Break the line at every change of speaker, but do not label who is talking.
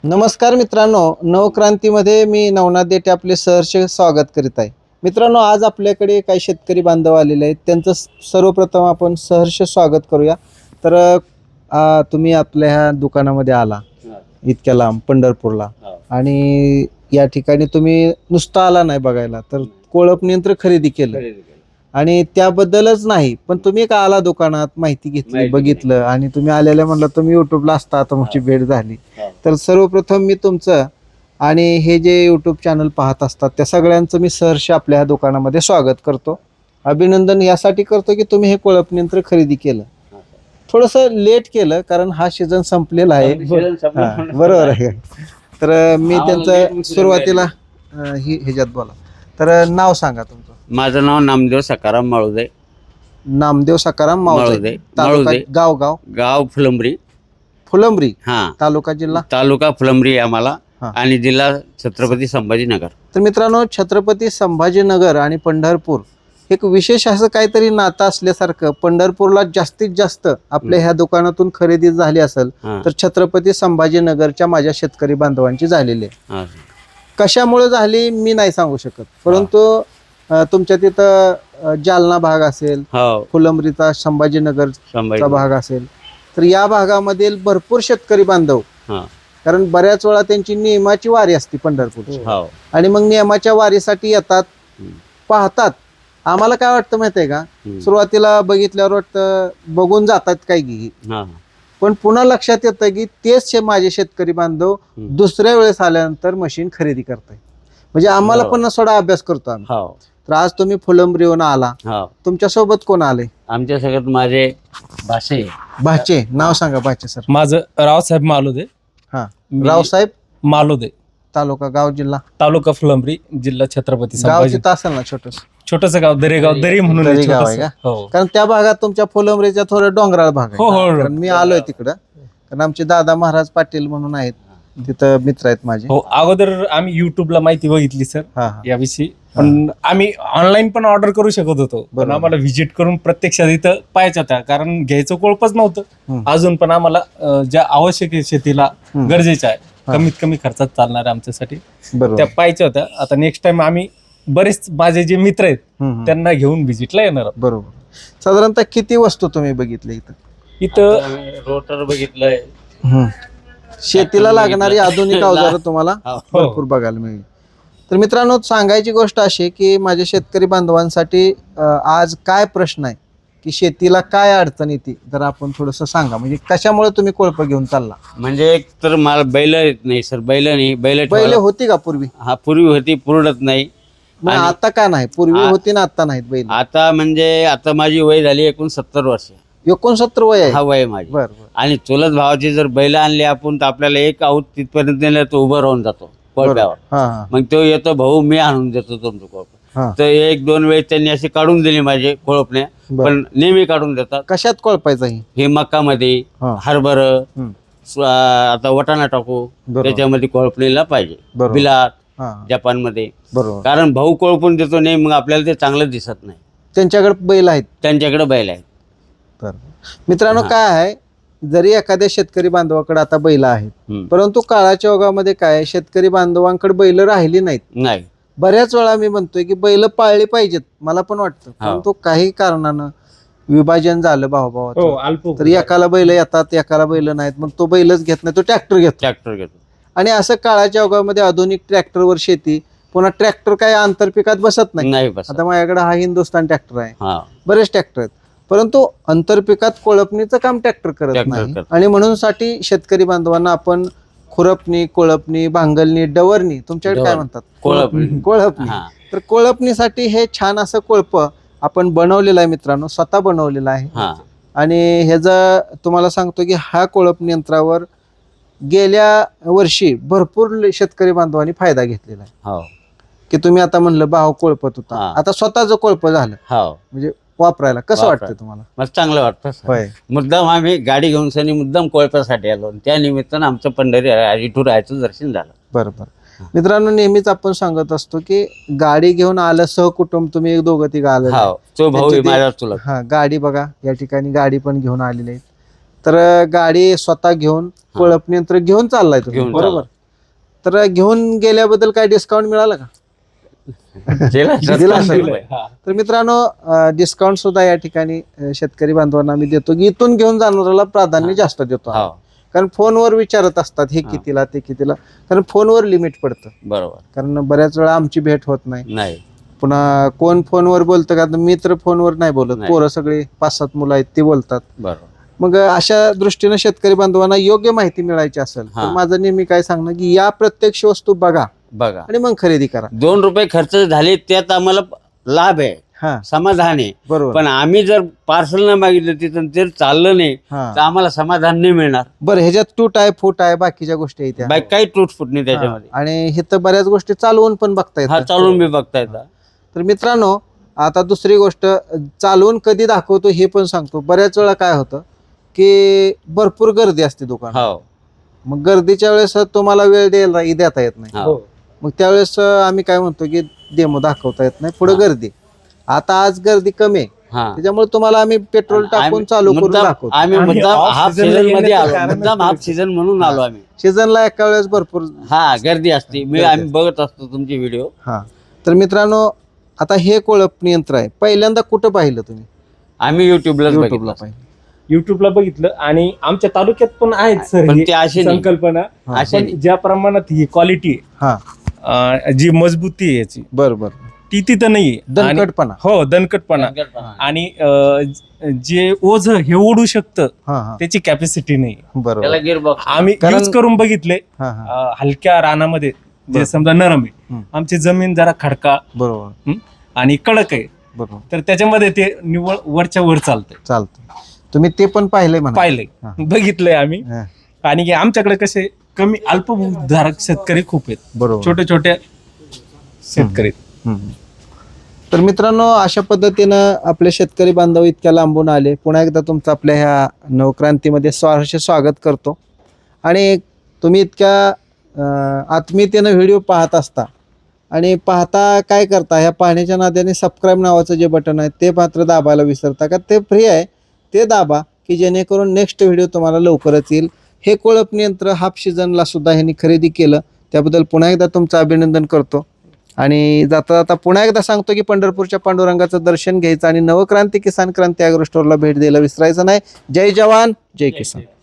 नमस्कार मित्रांनो, नवक्रांतीमध्ये मी नवनाथ देठे आपले सहर्ष स्वागत करीत आहे. मित्रांनो, आज आपल्याकडे काही शेतकरी बांधव आलेले आहेत. त्यांचं सर्वप्रथम आपण सहर्ष स्वागत करूया. तर तुम्ही आपल्या ह्या दुकानामध्ये आला इतक्या लांब पंढरपूरला, आणि या ठिकाणी तुम्ही नुसता आला नाही बघायला, तर कोळप यंत्र खरेदी केलं. आणि त्याबद्दलच नाही, पण तुम्ही का आला दुकानात, माहिती घेतली, बघितलं, आणि तुम्ही आलेल्या म्हणलं तुम्ही युट्यूबला असता, आता तुमची भेट झाली. तर सर्वप्रथम मी तुमचं आणि हे जे यूट्यूब चॅनल पाहत असतात त्या सगळ्यांचं मी सहर्ष आपल्या ह्या दुकानामध्ये स्वागत करतो. अभिनंदन यासाठी करतो की तुम्ही हे कोळप यंत्र खरेदी केलं. थोडंसं लेट केलं कारण हा सीझन संपलेला आहे. बरोबर आहे. तर मी त्यांचं सुरुवातीला ह्याच्यात बोला. तर नाव सांगा तुमचं.
माझं नाव नामदेव सकाराम माळुदे.
नामदेव सकाराम माळुदे. तालुका गाव
फुलंब्री.
फुलंब्री. तालुका
तालुका फुलंब्री आम्हाला, आणि जिल्हा छत्रपती संभाजीनगर.
तर मित्रांनो, छत्रपती संभाजीनगर आणि पंढरपूर एक विशेष असं काहीतरी नातं असल्यासारखं, पंढरपूरला जास्तीत जास्त आपल्या ह्या दुकानातून खरेदी झाली असेल तर छत्रपती संभाजीनगरच्या माझ्या शेतकरी बांधवांची झालेली आहे. कशामुळे झाली मी नाही सांगू शकत, परंतु तुमच्या तिथं जालना भाग असेल, फुलंब्रीचा संभाजीनगरचा भाग असेल, तर या भागामधील भरपूर शेतकरी बांधव, कारण बऱ्याच वेळा त्यांची नियमाची वारी असते पंढरपूरची, आणि मग नियमाच्या वारीसाठी येतात, पाहतात. आम्हाला काय वाटतं माहितीये का, सुरुवातीला बघितल्यावर वाटतं बघून जातात काही, पण पुन्हा लक्षात येतं की तेच माझे शेतकरी बांधव दुसऱ्या वेळेस आल्यानंतर मशीन खरेदी करताय. म्हणजे आम्हाला पण थोडा अभ्यास करतो आम्ही. तर आज तुम्ही फुलंब्रीहून आला, तुमच्या सोबत कोण आले?
आमच्या सगळ्यात माझे
भाचे. नाव सांगा भाचे सर.
माझं रावसाहेब मालुदे.
रावसाहेब
मालुदे.
तालुका गाव जिल्हा?
तालुका फुलंब्री, जिल्हा छत्रपती
गाव
संभाजी.
तिथं असेल ना
छोटस गाव, दरेगाव, दरी म्हणून
दरी गाव आहे का? कारण त्या भागात तुमच्या फुलंब्रीच्या थोडं डोंगराळ भाग आहे. कारण मी आलोय तिकडं, कारण आमचे दादा महाराज पाटील म्हणून आहेत तिथं, मित्र आहेत माझे.
हो, अगोदर आम्ही युट्यूबला माहिती बघितली सर याविषयी, पण आम्ही ऑनलाईन पण ऑर्डर करू शकत होतो, पण आम्हाला व्हिजिट करून प्रत्यक्षात इथं पाहायचं होतं, कारण घ्यायचं कोळपच नव्हतं. अजून पण आम्हाला ज्या आवश्यक आहे शेतीला गरजेच्या आहे, कमीत कमी खर्चात चालणार आमच्यासाठी, त्या पाहायच्या होत्या. आता नेक्स्ट टाइम आम्ही बरेच माझे जे मित्र आहेत त्यांना घेऊन व्हिजिटला येणार.
बरोबर. साधारणतः किती वस्तू तुम्ही बघितल्या
इथं?
रोटर बघितलंय.
शेतीला लागणारी आधुनिक अवजारं तुम्हाला भरपूर बघायला मिळेल. तर मित्रांनो, सांगायची गोष्ट अशी की माझ्या शेतकरी बांधवांसाठी आज काय प्रश्न आहे की शेतीला काय अडचण येते, जर आपण थोडस सांगा. म्हणजे कशामुळे तुम्ही कोळप घेऊन चालला?
म्हणजे एक तर मला बैल येत नाही सर. बैल
होती का पूर्वी?
पूर्वी होती, पुरडत नाही.
आता का नाही? पूर्वी होती ना, आता नाहीत बैल.
आता म्हणजे आता माझी वय झाली 69 वर्ष.
69 वय आहे?
हा, वय माझी.
बरं.
आणि चुलत भावाची जर बैल आणली आपण, तर आपल्याला एक आऊत तिथपर्यंत नेलं तो उभं राहून जातो कोळप्यावर. मग तो येतो, भाऊ मी आणून देतो तुमचं कोळप. तर 1-2 वेळेस त्यांनी अशी काढून दिली माझे कोळपणे, पण नेहमी काढून देतात.
कशात कोळपायचं? हे
मक्कामध्ये, हरभर, आता वटाणा टाकू, त्याच्यामध्ये कोळपणीला पाहिजे. बिलात, जपानमध्ये.
बरोबर.
कारण भाऊ कोळपून देतो नाही, मग आपल्याला ते चांगलं दिसत नाही.
त्यांच्याकडे बैल आहेत?
त्यांच्याकडे बैल आहेत.
मित्रांनो, काय आहे, जरी एखाद्या शेतकरी बांधवाकडे आता बैल आहेत, परंतु काळाच्या ओघामध्ये काय, शेतकरी बांधवांकडे बैल राहिली नाहीत. बऱ्याच वेळा मी म्हणतोय की बैल पाळली पाहिजेत, मला पण वाटतं, परंतु काही कारणानं विभाजन झालं भावाभावाचं, तर एकाला बैल येतात, एकाला बैल नाहीत, मग तो बैलच घेत नाही, तो ट्रॅक्टर घेतो. आणि असं काळाच्या ओघामध्ये आधुनिक ट्रॅक्टरवर शेती, पुन्हा ट्रॅक्टर काय आंतरपिकात बसत नाही. आता माझ्याकडे हा हिंदुस्थान ट्रॅक्टर आहे, बरेच ट्रॅक्टर आहेत, परंतु आंतरपिकात कोळपणीचं काम ट्रॅक्टर करत नाही. आणि म्हणून साठी शेतकरी बांधवांना आपण खुरपणी, कोळपणी, भांगलणी, डवरणी, तुमच्याकडे काय म्हणतात? कोळपणी. तर कोळपणीसाठी हे छान असं कोळप आपण बनवलेलं आहे मित्रांनो, स्वतः बनवलेलं आहे. आणि ह्याचा तुम्हाला सांगतो की हा कोळपणी यंत्रावर गेल्या वर्षी भरपूर शेतकरी बांधवांनी फायदा घेतलेला आहे. की तुम्ही आता म्हणलं भाव कोळपत होता, आता स्वतःच कोळप झालं, म्हणजे वापरायला कसं वाटतं तुम्हाला?
मला चांगलं वाटतं. मुद्दाम आम्ही गाडी घेऊन सनी मुद्दाम कोळप्यासाठी आलो, त्या निमित्तानं आमचं पंढरी विठुरायाचं दर्शन झालं.
बरोबर. मित्रांनो, नेहमीच आपण सांगत असतो की गाडी घेऊन आलं सहकुटुंब, तुम्ही 1-2 आलं,
तो भाऊ माझा चुलत.
गाडी बघा, या ठिकाणी गाडी पण घेऊन आलेली आहे. तर गाडी स्वतः घेऊन कोळप यंत्र घेऊन चाललाय तुम्ही,
घेऊन
बरोबर. तर घेऊन गेल्याबद्दल काय डिस्काउंट मिळाला का? दिला असेल.
हा.
तर मित्रांनो, डिस्काउंट सुद्धा या ठिकाणी शेतकरी बांधवांना आम्ही देतो की इथून घेऊन जाणाऱ्याला प्राधान्य जास्त देतो आम्ही.
हो,
कारण फोनवर विचारत असतात हे कितीला ते कितीला, कारण फोनवर लिमिट पडतं.
बरोबर.
कारण बऱ्याच वेळा आमची भेट होत नाही.
नाही,
पुन्हा कोण फोनवर बोलतं का, मित्र फोनवर नाही बोलत,
नाही.
पोरं सगळे 5-7 मुलं आहेत ते बोलतात.
बरोबर.
मग अशा दृष्टीने शेतकरी बांधवांना योग्य माहिती मिळायची असेल तर माझं नेहमी काय सांगणं की या प्रत्यक्ष वस्तू बघा आणि मग खरेदी करा.
2 रुपये खर्च झाले त्यात आम्हाला लाभ आहे,
हा,
समाधान आहे.
बरोबर.
पण आम्ही जर पार्सल न मागितलं तिथं ते चाललं नाही तर आम्हाला समाधान नाही मिळणार.
बरं, ह्याच्यात तूट आहे, फूट आहे, बाकीच्या गोष्टी आहेत त्या.
बाकी काही तुटफूट नाही त्याच्यामध्ये.
आणि हे तर बऱ्याच गोष्टी चालवून पण बघता
हा,
येतात.
चालून बी बघता येतात.
तर मित्रांनो, आता दुसरी गोष्ट, चालवून कधी दाखवतो हे पण सांगतो. बऱ्याच वेळा काय होतं की भरपूर गर्दी असते दुकान,
हो,
मग गर्दीच्या वेळेस तुम्हाला वेळ देता येत नाही.
हो.
मग त्यावेळेस आम्ही काय म्हणतो की डेमो दाखवता येत नाही, पुढे गर्दी. आता आज गर्दी कमी आहे,
हा.
त्याच्यामुळे तुम्हाला आम्ही पेट्रोल टाकून चालू करून दाखवतो.
आम्ही मुद्दाम
off
हाफ
season
सीझन मध्ये
येण्याचं
आलो,
कारणच
मुद्दाम हाफ सीझन म्हणून आलो आम्ही.
सीझनला एका वेळेस भरपूर.
हा, गर्दी असते. आम्ही बघत असतो तुमचे व्हिडिओ.
हा, तर मित्रांनो, आता हे कोळप यंत्र आहे, पहिल्यांदा कुठं पाहिलं तुम्ही?
आम्ही युट्यूबला
पाहिलं.
युट्यूबला बघितलं आणि आमच्या तालुक्यात पण आहेत सर
पण
ही
ते असे नाही.
संकल्पना.
असे
पण
नाही.
ज्या प्रमाणात ही क्वालिटी
हा,
जी मजबूती आहे याची
बरोबर.
ती तिथं नाहीये. आणि-
दणकटपणा.
हो, दणकटपणा. आणि जे ओझ हे ओढू शकतं
हा हा,
त्याची कॅपॅसिटी नाही.
बरोबर.
त्याला गिअरबॉक्स.
आम्ही यूज करून बघितले
हा हा,
हलक्या रानामध्ये, जे समजा नरम आहे. आमची जमीन जरा खडका
बरोबर
आणि कडक आहे,
बरोबर.
तर त्याच्यामध्ये ते निव्वळ वरच्या वर चालतंय.
चालतं. तुम्ही ते पण पाहिलंय म्हणा.
पाहिलंय, बघितलंय आम्ही.
हा,
आणि आमच्याकडे कसे कमी अल्पभूधारक शेतकरी खूप आहेत,
बरोबर.
छोटे छोटे शेतकरी.
हम्म. तर मित्रांनो, अशा पद्धतीनं आपले शेतकरी बांधव इतक्या लांबून आले. पुन्हा एकदा तुमचं आपल्या ह्या नवक्रांतीमध्ये सहर्ष स्वागत करतो. आणि तुम्ही इतक्या आत्मीयतेनं व्हिडिओ पाहत असता आणि पाहता काय करता, ह्या पाहण्याच्या नात्याने सबस्क्राईब नावाचं जे बटन आहे ते मात्र दाबायला विसरता का? ते फ्री आहे, ते दाबा की जेणेकरून नेक्स्ट व्हिडिओ तुम्हाला लवकरच येईल. हे कोळप यंत्र हाफ सीझनला सुद्धा ह्यांनी खरेदी केलं, त्याबद्दल पुन्हा एकदा तुमचं अभिनंदन करतो. आणि जाता जाता पुन्हा एकदा सांगतो की पंढरपूरच्या पांडुरंगाचं दर्शन घ्यायचं आणि नवक्रांती किसान क्रांती ॲग्रो स्टोअरला भेट द्यायला विसरायचं नाही. जय जवान, जय किसान.